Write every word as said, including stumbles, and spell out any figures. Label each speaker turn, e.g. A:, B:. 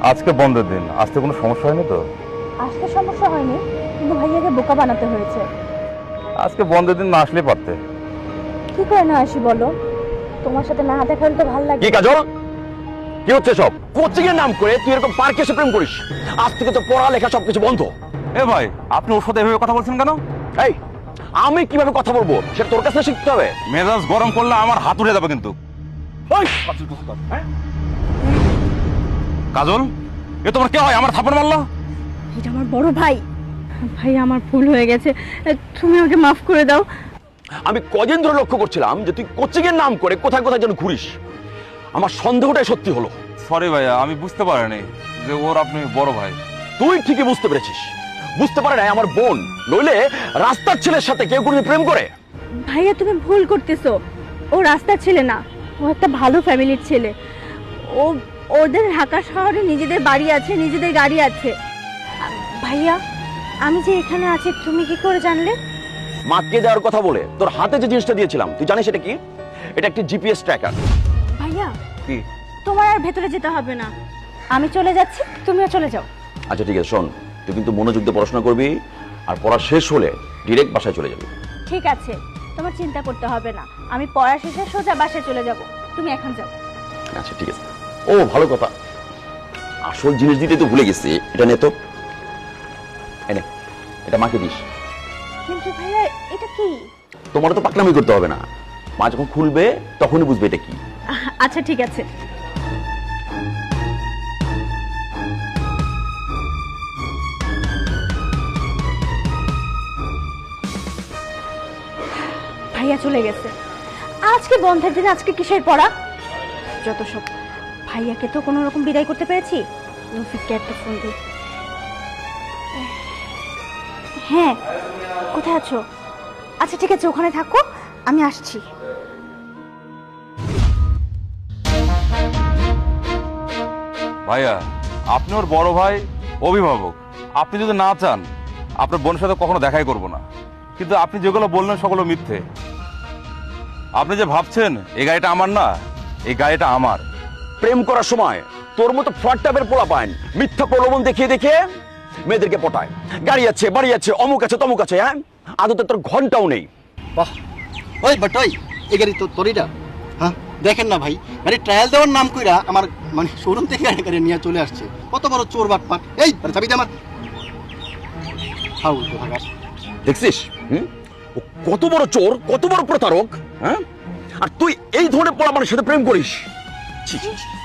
A: আজকে বন্ধের দিন, আসতে কোনো সমস্যা হয়নি তো?
B: আসতে সমস্যা হয়নি, কিন্তু ভাইয়াকে বোকা বানাতে হয়েছে।
A: আজকে বন্ধের দিন না আসলেই পারতে।
B: কি করে না আসি বলো? তোমার সাথে না দেখা হলে তো ভালো লাগে।
C: কি কাজল, কি হচ্ছে সব? কোচিং এর নাম করে তুই এরকম পার্কে এসে প্রেম করিস? আজ থেকে তো পড়ালেখা সবকিছু বন্ধ।
A: এ ভাই, আপনি ওর সাথে এভাবে কথা বলছেন কেন?
C: এই, আমি কিভাবে কথা বলবো সেটা তোর কাছে শিখতে হবে।
A: মেজাজ গরম করলে আমার হাত উঠে যাবে কিন্তু।
C: ওই,
A: হ্যাঁ? কাজল, এ তোমার কে হয়? আমার থাপড় মারলো।
B: এটা আমার বড় ভাই। ভাই, আমার ভুল হয়ে গেছে, তুমি আমাকে মাফ করে দাও।
C: আমি কদিন ধরে লক্ষ্য করছিলাম যে তুই কোচিং এর নাম করে কোথায় কোথায় যেন ঘুরিস। আমার সন্দেহটাই সত্যি হলো।
A: সরি ভাইয়া, আমি বুঝতে পারিনি যে ওর আপনি বড় ভাই।
C: তুই ঠিকই বুঝতে পেরেছিস, বুঝতে পারে নাই আমার বোন। নইলে রাস্তার ছেলের সাথে কেউ কোনো প্রেম করে?
B: ভাইয়া, তুমি ভুল করতেছো। ও রাস্তার ছেলে না, ও একটা ভালো ফ্যামিলির ছেলে। ও ওদের ঢাকা শহরে নিজেদের বাড়ি আছে, নিজেদের গাড়ি আছে। ভাইয়া, আমি যে এখানে আছি তুমি কি করে জানলে?
C: মাকে দেওয়ার কথা বলে তোর হাতে যে জিনিসটা দিয়েছিলাম, তুই জানিস এটা কি? এটা একটি জিপিএস ট্র্যাকার।
B: ভাইয়া,
A: কি?
B: তোমার আর ভেতরে যেতে হবে না, আমি চলে যাচ্ছি, তুমিও চলে যাও।
C: আচ্ছা ঠিক আছে, শোন, তুই কিন্তু মনোযোগ দিয়ে পড়াশোনা করবি, আর পড়া শেষ হলে ডিরেক্ট বাসায় চলে যাবি।
B: ঠিক আছে, তোমার চিন্তা করতে হবে না, আমি পড়া শেষে সোজা বাসায় চলে যাব। তুমি এখন যাও।
C: আচ্ছা ঠিক আছে। ও ভালো কথা, আসল জিনিস দিতে তো ভুলে গেছি। এটা নে তো, এনে এটা মাকে দিস।
B: কিন্তু ভাইয়া, এটা কি?
C: তোমার তো পাকনামি করতে হবে না, মা যখন খুলবে তখনই বুঝবে এটা কি।
B: আচ্ছা ঠিক আছে। ভাইয়া চলে গেছে। আজকে বন্ধের দিন, আজকে কিসের পড়া? যত সব। ভাইয়াকে তো কোনো রকম বিদায় করতে পেরেছি। রফিককে একটা ফোন দিই। হ্যাঁ, কোথায় আছো? আচ্ছা ঠিক আছে, ওখানে থাকো, আমি আসছি।
A: ভাইয়া, আপনি ওর বড় ভাই, অভিভাবক। আপনি যদি না চান, আপনার বোনের সাথে কখনো দেখাই করব না। কিন্তু আপনি যেগুলো বললেন সেগুলো মিথ্যে। আপনি যে ভাবছেন এই গাড়িটা আমার না, এই গাড়িটা আমার।
C: প্রেম করার সময় তোর মতো ফ্রড টাইপের পোলা পায় মিথ্যা প্রলোভন দেখিয়ে দেখিয়ে মেয়েদেরকে পটায়। গাড়ি আছে, বাড়ি আছে, অমুক আছে, তমুক আছে। হ্যাঁ, আদতে তোর ঘন্টাও নেই।
D: বাহ, ওই বাট ওই এই গাড়ি তো তোরইটা? হ্যাঁ, দেখেন না ভাই, গাড়ি ট্রায়াল দেওয়ার নাম কইরা আমার মানে শোরুম থেকে গাড়ি গাড়ি নিয়ে চলে আসছে। কত বড় চোর বাটপাট! এই আরে চাবি দে আমার। হাউ কোথাকার!
C: দেখছিস হুম, ও কত বড় চোর, কত বড় প্রতারক। হ্যাঁ, আর তুই এই ধরনের পোলা মানুষের সাথে প্রেম করিস? ছি ছি ছি।